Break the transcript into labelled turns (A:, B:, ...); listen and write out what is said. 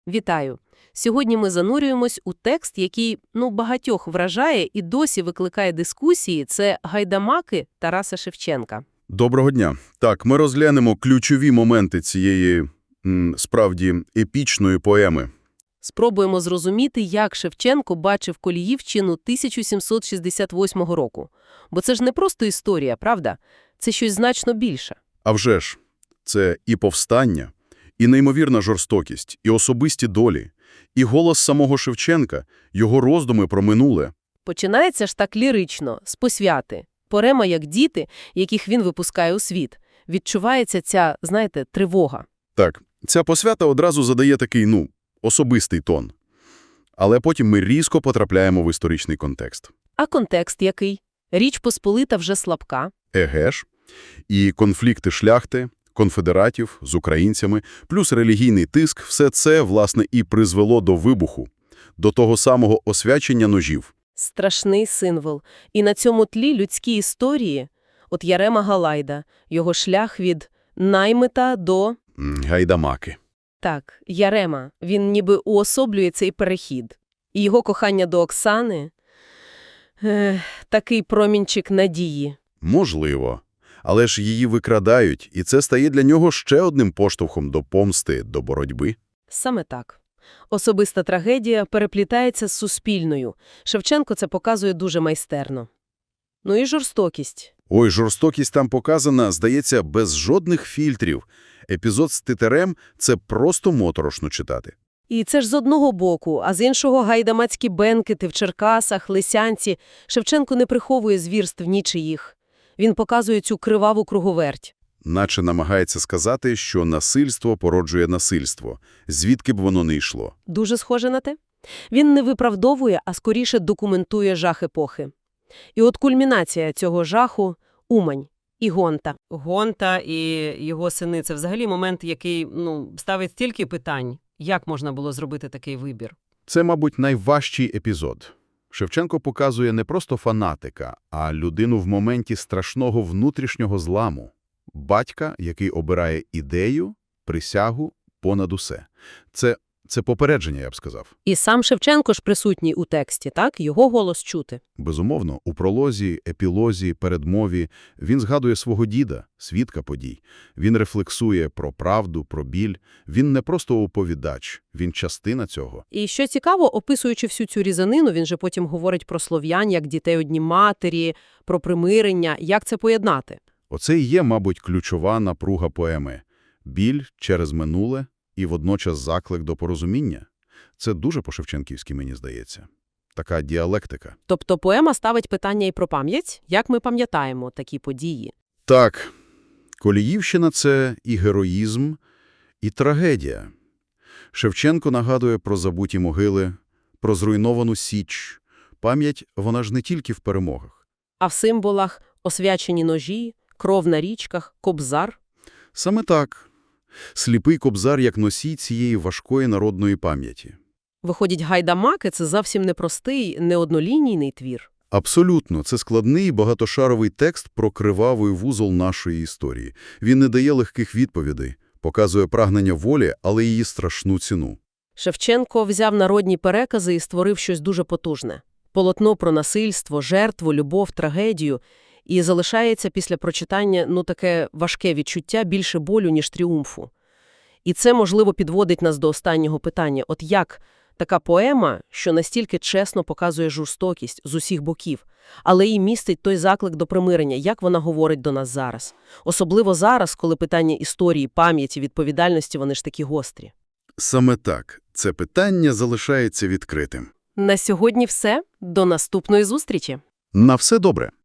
A: Вітаю! Сьогодні ми занурюємось у текст, який, багатьох вражає і досі викликає дискусії. Це «Гайдамаки» Тараса Шевченка.
B: Доброго дня. Так, ми розглянемо ключові моменти цієї, справді, епічної поеми.
A: Спробуємо зрозуміти, як Шевченко бачив Коліївщину 1768 року. Бо це ж не просто історія, правда? Це щось значно більше.
B: А вже ж, це і повстання, і неймовірна жорстокість, і особисті долі, і голос самого Шевченка, його роздуми про минуле.
A: Починається ж так лірично, з посвяти. Поема як діти, яких він випускає у світ. Відчувається ця, тривога.
B: Так, ця посвята одразу задає такий, особистий тон. Але потім ми різко потрапляємо в історичний контекст.
A: А контекст який? Річ Посполита вже слабка.
B: Еге ж. І конфлікти шляхти, конфедератів з українцями, плюс релігійний тиск – все це, власне, і призвело до вибуху, до того самого освячення ножів.
A: Страшний символ. І на цьому тлі людські історії, от Ярема Галайда, його шлях від наймита до…
B: Гайдамаки.
A: Так, Ярема, він ніби уособлює цей перехід. І його кохання до Оксани – такий промінчик надії.
B: Можливо. Але ж її викрадають, і це стає для нього ще одним поштовхом до помсти, до боротьби.
A: Саме так. Особиста трагедія переплітається з суспільною. Шевченко це показує дуже майстерно. Ну і жорстокість.
B: Ой, жорстокість там показана, здається, без жодних фільтрів. Епізод з Титарем – це просто моторошно читати.
A: І це ж з одного боку, а з іншого гайдамацькі бенкети в Черкасах, Лисянці. Шевченко не приховує звірств нічиїх. Він показує цю криваву круговерть.
B: Наче намагається сказати, що насильство породжує насильство, звідки б воно не йшло.
A: Дуже схоже на те. Він не виправдовує, а скоріше документує жах епохи. І от кульмінація цього жаху – Умань і Гонта. Гонта і його сини – це взагалі момент, який ставить стільки питань. Як можна було зробити такий вибір?
B: Це, мабуть, найважчий епізод. Шевченко показує не просто фанатика, а людину в моменті страшного внутрішнього зламу. Батька, який обирає ідею, присягу понад усе. Це попередження, я б сказав.
A: І сам Шевченко ж присутній у тексті, так? Його голос чути.
B: Безумовно, у пролозі, епілозі, передмові він згадує свого діда, свідка подій. Він рефлексує про правду, про біль. Він не просто оповідач, він частина цього.
A: І що цікаво, описуючи всю цю різанину, він же потім говорить про слов'ян, як дітей одні матері, про примирення, як це поєднати.
B: Оце і є, мабуть, ключова напруга поеми. Біль через минуле і водночас заклик до порозуміння. Це дуже по-шевченківськи, мені здається. Така діалектика.
A: Тобто поема ставить питання і про пам'ять, як ми пам'ятаємо такі події.
B: Так, Коліївщина – це і героїзм, і трагедія. Шевченко нагадує про забуті могили, про зруйновану Січ. Пам'ять, вона ж не тільки в перемогах.
A: А в символах освячені ножі, кров на річках, кобзар.
B: Саме так. Сліпий кобзар як носій цієї важкої народної пам'яті.
A: Виходить, гайдамаки – це зовсім непростий, неоднолінійний твір.
B: Абсолютно. Це складний багатошаровий текст про кривавий вузол нашої історії. Він не дає легких відповідей, показує прагнення волі, але її страшну ціну.
A: Шевченко взяв народні перекази і створив щось дуже потужне. Полотно про насильство, жертву, любов, трагедію. І залишається після прочитання, таке важке відчуття більше болю, ніж тріумфу. І це, можливо, підводить нас до останнього питання. От як така поема, що настільки чесно показує жорстокість з усіх боків, але і містить той заклик до примирення, як вона говорить до нас зараз? Особливо зараз, коли питання історії, пам'яті, відповідальності, вони ж такі гострі.
B: Саме так. Це питання залишається відкритим.
A: На сьогодні все. До наступної зустрічі.
B: На все добре.